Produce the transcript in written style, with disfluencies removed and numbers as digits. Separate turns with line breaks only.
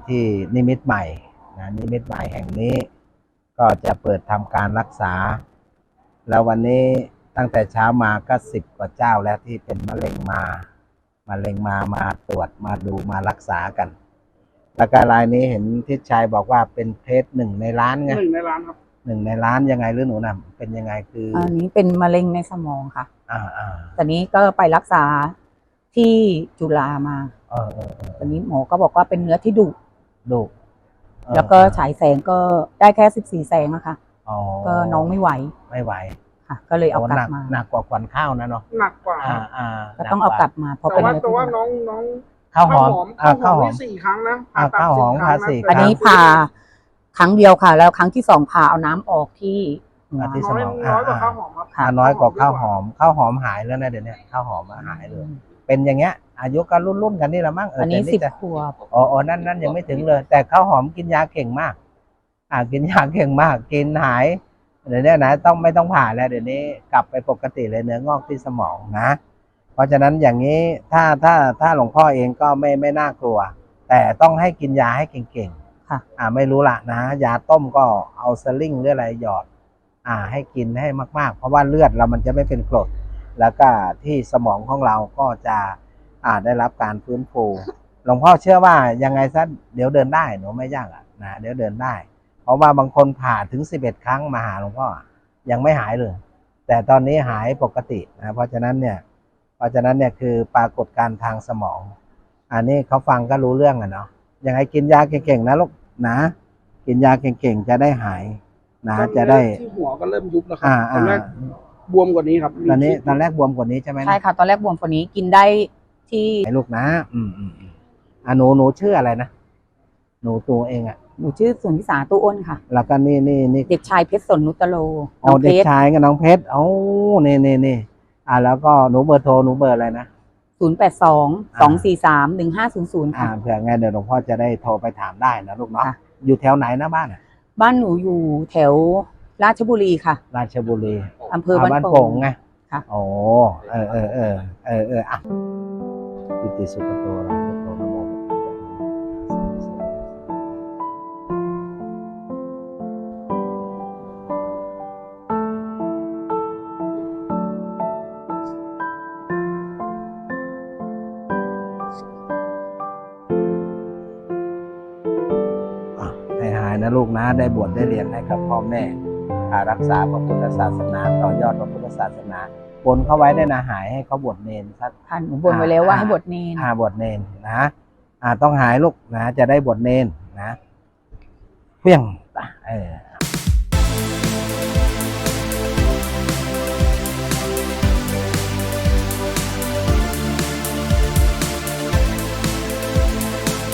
ที่นิมิตรใหม่นะนิมิตรใหม่แห่งนี้ก็จะเปิดทำการรักษาแล้ววันนี้ตั้งแต่เช้ามาก็10 กว่าเจ้าแล้วที่เป็นมะเร็งมาตรวจมาดูมารักษากันแล้วก็รายนี้เห็นทิศชัยบอกว่าเป็นเพชร1 ในล้านไง
1 ในล้านครับ
1 ในล้านยังไงหรือหนูนะเป็นยังไงคือ
อันนี้เป็นมะเร็งในสมองค่ะตอนนี้ก็ไปรักษาที่จุฬามาตอนนี้หมอก็บอกว่าเป็นเนื้อที่ดุแล้วก็ฉายแสงก็ได้แค่14 แสงอะค่ะก็น้องไม่ไหวค่ะก็เลยเอากลับมา
หนักกว่าควันข้าวนะเนาะ
หนักกว่า
ก็ต้องเอากลับมาเพราะเป็นเนื้อ
แต่ว่าน้อง
ข้าวหอม
นี่4 ครั้งนะ
ข้าวหอมผ่า4
อันนี้ผ่าครั้งเดียวค่ะแล้วครั้งที่2ผ่าเอาน้ำออกที่
สมอง
น้อยกว่าข้าวหอมครับ
น้อยกว่าข้าวหอมหายแล้วนะเดี๋ยวนี้ข้าวหอมหายเลยเป็นอย่างเงี้ยอายุก็รุ่นกันนี่ละมั้ง
อันนี้10 ขวบ
นั่นยังไม่ถึงเลยแต่ข้าวหอมกินยาเก่งมากกินยาเก่งมากกินหายเดี๋ยวนี้นะไม่ต้องผ่าแล้วเดี๋ยวนี้กลับไปปกติเลยเนื้องอกที่สมองนะเพราะฉะนั้นอย่างนี้ถ้าหลวงพ่อเองก็ไม่น่ากลัวแต่ต้องให้กินยาให้เก่งๆ
ค่ะ
ไม่รู้ละนะยาต้มก็เอาสลิงหรืออะไรหยอดให้กินให้มากๆเพราะว่าเลือดเรามันจะไม่เป็นกรดแล้วก็ที่สมองของเราก็จะได้รับการฟื้นฟูหลวงพ่อเชื่อว่ายังไงซะเดี๋ยวเดินได้หนูไม่ยากนะเดี๋ยวเดินได้เพราะว่าบางคนผ่าถึง11 ครั้งมาหาหลวงพ่อยังไม่หายเลยแต่ตอนนี้หายปกตินะเพราะฉะนั้นเนี่ยคือปรากฏการณ์ทางสมองอันนี้เขาฟังก็รู้เรื่องเนาะยังไงกินยาเก่งๆนะลูกนะกินยาเก่งๆจะได้หายนะจะได้
ที่หัวก็เริ่มยุบแล้วครับตอนแรกบวมกว่านี้ครับ
ตอนแรกบวมกว่านี้ใช่ไหม
ใช่ค่ะตอนแรกบวมกว่านี้กินได้ที่
ลูกนะหนูชื่ออะไรนะหนูตัวเอง
หนูชื่อสุนิสาตู้อ้นค่ะ
แล้วก็นี่
เด็กชายเพชรสนนุตโล
เด็กชายกับน้องเพชรนี่แล้วก็หนูเบอร์โทรหนูเบอร์อะไรนะ
082-243-1500ค่ะ
เผื่อไงเดี๋ยวหลวงพ่อจะได้โทรไปถามได้นะลูกเนาะอยู่แถวไหนนะบ้าน
หนูอยู่แถวราชบุรีค่ะ
ราชบุรี
อำเภอบ้านโป่ง
ไง
ค่ะ
ปิติสุขโตนะโตนะโมนะลูกนะได้บวชได้เรียนให้กับพ่อแม่รักษาพระพุทธศาสนาต่อยอดพระพุทธศาสนาบนเขาไว้ได้นะหายให้เขาบวชเนรสัก
ท่านบนไว้แล้วว่าให้บวชเนร
บวชเนรนะต้องหายลูกนะจะได้บวชเนรนะเพียง